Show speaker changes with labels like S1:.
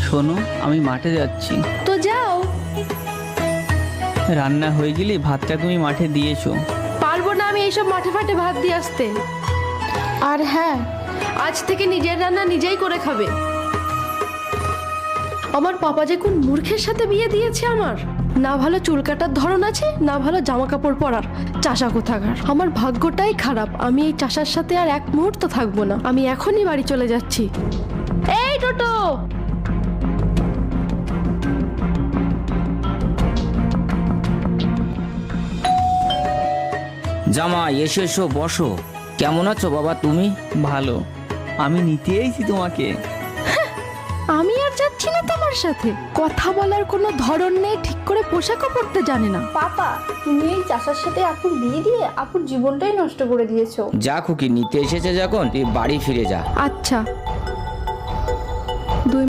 S1: শোনো, আমি মাঠে যাচ্ছি।
S2: তো যাও।
S1: রান্না হয়ে গেলে ভাতটা তুমি মাঠে দিয়েছো।
S2: পারবো না আমি এইসব মাঠে ফাটে ভাত দিয়ে আসতে। আর হ্যাঁ, আজ থেকে নিজের রান্না নিজেই করে খাবে। আমার পাপা যে কোন মূর্খের সাথে বিয়ে দিয়েছে আমার। না ভালো চুল কাটার ধরন আছে, না ভালো জামা কাপড় পরার। চাষা কোথাকার। আমার ভাগ্যটাই খারাপ, আমি এই চাষার সাথে আর এক মুহূর্ত থাকবো না। আমি এখনই বাড়ি চলে যাচ্ছি। এই টোটো,
S3: জামাই এসো এসো বসো। কেমন আছো বাবা তুমি?
S1: ভালো। আমি নিতে এসেছি তোমাকে।
S2: আমি আর যাচ্ছি না তোমার সাথে। কথা বলার কোনো ধরন নেই, ঠিক করে পোশাকও পরতে জানে না।
S4: পাপা, তুমি এই চাষার সাথে আপুর বিয়ে দিয়ে আপুর জীবনটাই নষ্ট করে দিয়েছো।
S3: যা খুকি, নিতে এসেছে যখন তুই বাড়ি ফিরে যা।
S2: আচ্ছা।